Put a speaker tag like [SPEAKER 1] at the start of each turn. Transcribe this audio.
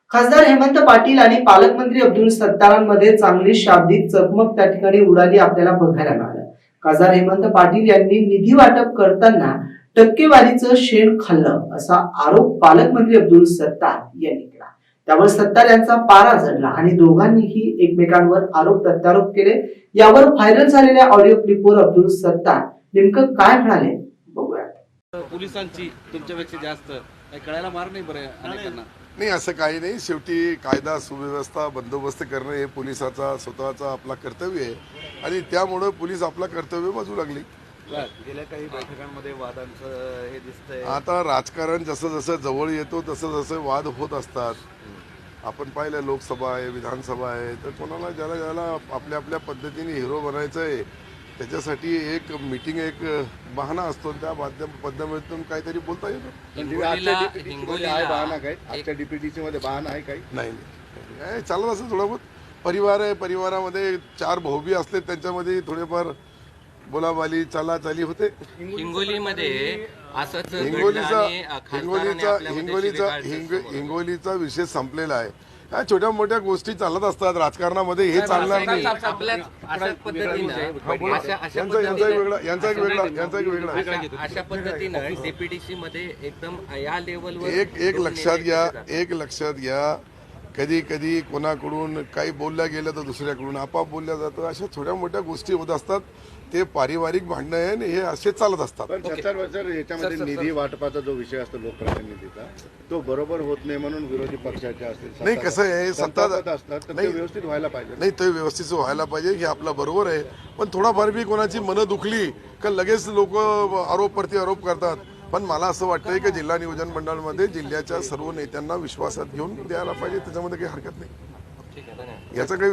[SPEAKER 1] खासदार हेमंत पाटील आणि पालकमंत्री अब्दुल सत्तारांमध्ये चांगली शाब्दिक चकमक त्या ठिकाणी उडाली आपल्याला बघायला मिळालं। खासदार हेमंत पाटील यांनी निधी वाटप करताना टक्केवारीचं शेण खाल्लं असा आरोप पालकमंत्री अब्दुल सत्तार यांनी केला। त्यावर सत्तार यांचा पारा चढला आणि दोघांनीही एकमेकांवर आरोप प्रत्यारोप केले। यावर व्हायरल झालेल्या ऑडिओ क्लिपवर अब्दुल सत्तार नेमकं काय म्हणाले बघूया।
[SPEAKER 2] पोलिसांची तुमच्यापेक्षा जास्त काही कळायला मार नाही बरं अनेकांना।
[SPEAKER 3] नाही असं काही नाही, शेवटी कायदा सुव्यवस्था बंदोबस्त करणं हे पोलिसाचा स्वतःचा आपला कर्तव्य आहे आणि त्यामुळे पोलीस आपला कर्तव्य बाजू लागली।
[SPEAKER 2] गेल्या काही बैठकांमध्ये वादांचं हे दिसतंय।
[SPEAKER 3] आता राजकारण जसं जसं जवळ येतो तसं जसं वाद होत असतात। आपण पाहिलं लोकसभा आहे, विधानसभा आहे, तर कोणाला ज्याला ज्याला आपल्या आपल्या पद्धतीने हिरो बनायचं आहे त्याच्यासाठी एक मीटिंग एक बहाणा असतो, त्या पद्धतीतून काहीतरी बोलता येतं।
[SPEAKER 4] आजच्या डीपीटीसी मध्ये बहाणा आहे काही
[SPEAKER 3] नाही चालत असं थोडं बहुत परिवार आहे, परिवारामध्ये चार भाऊबी असले त्यांच्यामध्ये थोडेफार बोलाबाली चालाचाली होते।
[SPEAKER 5] हिंगोलीमध्ये असंच
[SPEAKER 3] हिंगोलीचा विषय संपलेला आहे। ह्या छोट्या मोठ्या गोष्टी चालत असतात राजकारणामध्ये, हे चालणार नाही। यांचा एक वेगळा
[SPEAKER 5] अशा पद्धतीनं डीपीडीसी मध्ये एकदम या लेवलवर
[SPEAKER 3] एक लक्षात घ्या कधी कधी कोणाकडून काही बोलल्या गेलं तर दुसऱ्याकडून आपाप बोलल्या जातं। अशा छोट्या मोठ्या गोष्टी होत असतात, ते पारिवारिक भांडणं आहे आणि हे असे चालत असतात।
[SPEAKER 4] पण याच्यामध्ये निधी वाटपाचा जो विषय असतो लोकप्रतिनिधीचा, तो बरोबर होत नाही म्हणून विरोधी पक्षाचे असतील
[SPEAKER 3] नाही, कसं आहे सत्ता
[SPEAKER 4] असतात तर ते व्यवस्थित व्हायला पाहिजे।
[SPEAKER 3] नाही, ते व्यवस्थित व्हायला पाहिजे हे आपलं बरोबर आहे, पण थोडाफार बी कोणाची मनं दुखली का लगेच लोक आरोप प्रत्यारोप करतात। पण मला असं वाटतंय की जिल्हा नियोजन मंडळामध्ये जिल्ह्याच्या सर्व नेत्यांना विश्वासात घेऊन द्यायला पाहिजे, त्याच्यामध्ये काही हरकत नाही। याचा काही